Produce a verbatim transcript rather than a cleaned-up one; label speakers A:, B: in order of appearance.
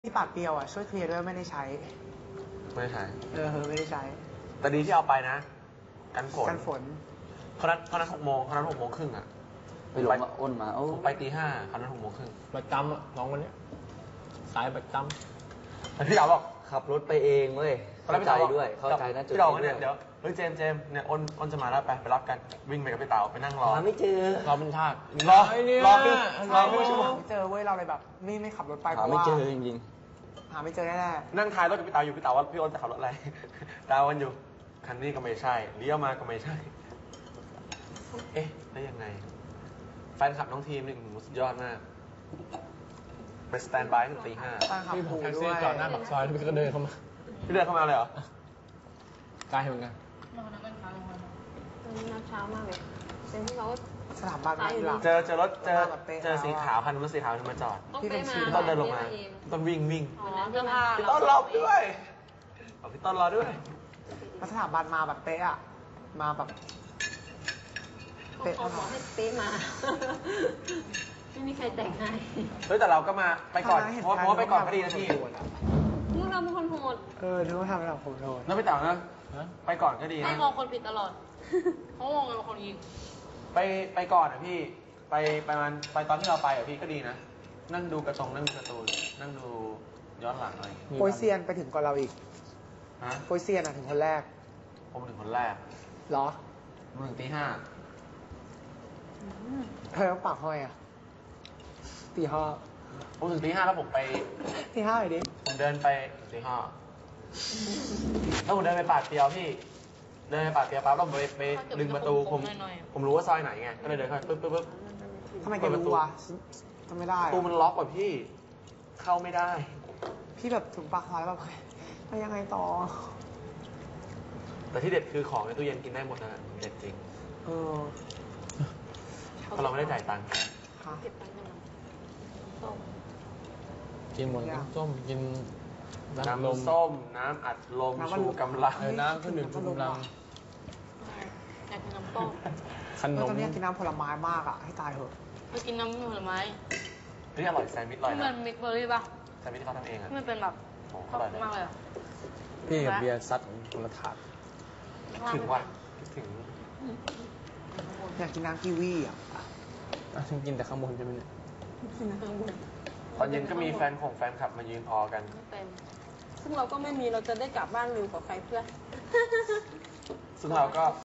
A: ที่ปากเปรียวอ่ะช่วยเคลียร์ด้วยไม่ได้ใช้
B: ไม่ได้ใช้
A: เออไม่ได้ใช้
B: แต่ดีที่เอาไปนะ กันฝน
A: กันฝน
B: เขานัดเขานัดหกโมงเขานัดหกโมงครึ่งอ่ะ
C: ไปหลงมาอ้นมาโอ้
B: ผมไปตีห้าเขานัดหกโมงครึ่ง
D: ประจำอะน้องคนเนี้ยสายประจ
B: แต่พี่ดาวบอก
C: ขับรถไปเองเว้ย
B: ตอนแร
C: เข้าก ใจ
B: พี่ดาวบอก
C: ด้วยเข้าใจนะจุด
B: พี่ดาว
C: นี้
B: เนี่ย
C: ด้
B: เดี๋ยว วเฮ้ยเจมส์เจมส์เนี่ยอ้นอ้นจะมาแล้วไปไปรับกันวิ่งไปกับพี่เต๋าไปนั่งรอ
C: หาไม่เจอ
D: ำเราเป็นชาติ
B: รอ
D: ไเนี่ย
B: รอคือ
A: ใช่ไม่เจอเว้ยเราเลยแบบไม่ไม่ขับรถไปเพ
C: หา
A: ราะ
C: ไม่
A: ว่า
C: เจอจริง
A: หาไม่เจอแน่
B: นั่งท้ายรถกับพี่เต๋าอยู่พี่เต๋าว่าพี่อ้นจะขับรถอะไร ดาวกันอยู่คันนี้ก็ไม่ใช่เลี้ยวมาก็ไม่ใช่ เอ๊ะได้ยังไง แฟนคลับน้องทีมนี่สุดยอดมากไปสแตนบายตั้งแต่ตีห้า
A: ๆตั้งขับ
D: พี่
A: ผู
D: แท็ก
A: ด้
D: ซี่
A: วย
D: จอดหน้าปากซอยแล้วพี่ก็เดินเข้ามา
B: พี่เดินเข้ามาเลยเหรอ
D: ไกลเหมือนกัน
E: น้ำเช้ามากเลยเป็นที่เขา
A: สถาบันมาทีหลัง
B: เจอเจอรถเจอ
A: แบบเป๊ะ
B: เจอสีขาวคันรถสีขาวที่มาจอด
E: ต้อง
A: พี่เป็
E: ไป
A: น
E: มา
A: ชี
B: พี่ต้นเดินลงมาพี่ต้นวิ่งวิ่ง
E: อ๋อเสื้อผ้า
B: พี่ต้นรอด้วยเอาพี่ต้นรอด้วย
A: มาสถาบันมาแบบเป๊ะอ่ะมาแบบเป๊ะ
E: เขาบอกให้เป๊ะมา ไม่มีใครแต่งให้
B: เฮ้ยแต่เราก็มาไปก่อนเพราะเพราะว่าไปก่อนก็ดีนะพี่
E: พวกเราเป็นคนโหด
A: เออนึกว่าทำแบบผมโดน
B: แล้วไปต่างนะ
D: ฮะ
B: ไปก่อนก็ดี
E: ให้
B: นะ
E: มองคนผิดตลอดเขามองเราเป็นคนยิง
B: ไปไปก่อนอ่ะพี่ ไปไปมันไปตอนที่เราไปอ่ะพี่ก็ดีนะ นั่งดูกระจงนั่งดูการ์ตูนนั่งดูย้อนหลังอะไรอย่างเงี้ย
A: โปยเซียนไปถึงก่อนเราอีก
B: ฮะ
A: โปยเซียนอ่ะถึงคนแรก
B: ผมถึงคนแรก
A: เหรอ
B: ผมถึงตีห้า
A: เธอต้องปากห้อยอ่ะตีห้า
B: ผมถึงตีห้าแล้วผมไป
A: ตีห้าเลยดิ
B: ผมเดินไปตีห้าแล้วผมเดินไปปากเตียวพี่ เดินไปปากเตียวปั๊บแล้วผมไปไปดึงประตูผมผมรู้ว่าซอยไหนไง ก็เลยเดินเข้าไปปึ๊บปึ๊บปึ๊บ
A: ทำไมแกรู้วะทำไม่ได้
B: ประตู
A: อะ
B: มันล็อกกว่าพี่ เข้าไม่ได้
A: พี่แบบถึงปากซอยแล้วแบบไปยังไงต่อ
B: แต่ที่เด็ดคือของในตู้เย็นกินได้หมดนะเด็ดจริง
A: เออ
B: เพราะเราไม่ได้จ่ายตังค์
A: ค่ะ
E: เก็บตังค์กันส้ม
D: กินหมด
A: อย่าง
D: น้ำส้มกินน้ำลม
B: น้ำส้ม น้ำอัดลม
A: น้ำอัดลม
B: ชูกำลัง
D: เออน้ำเครื่องดื่มชูกำลัง
E: อยากกินน้ำต้ม
D: ข
A: เอน อ
D: ม
A: ตอนนี้อยากกินน้ำผลไม้มากอ่ะ ให้ตายเถอะ
E: ไปกินน้ำผลไม้
B: นี่อร่อยแซนด์วิชอร่อย
E: ที่มั
B: นะ
E: นมิกเบอร์รี่ป่ะ
B: แซนด์วิชที่เขาทำเองอ่ะ
E: ที่มันเป็นแบบ
B: โอ้
E: ชอบ
B: อร่อยเลย
E: มากเลยอะ
D: พี่กับเบียร์ซัดคนละถาด
B: ถึงว่ะคิดถึง
A: อยากกินน้ำกีวีอ่ะ
D: อ่ะฉันกินแต่ข้างบนใช่ไหมเนี่ย
E: กินน้ำบุญ
B: ตอนเย็นก็มีแฟนของแฟนคลับมายืนออกัน
E: ไม่เป็น
F: ซึ่งเราก็ไม่มีเราจะได้กลับบ้านเร็วกว่าใครเพื่อน
B: ซึ่งเราก็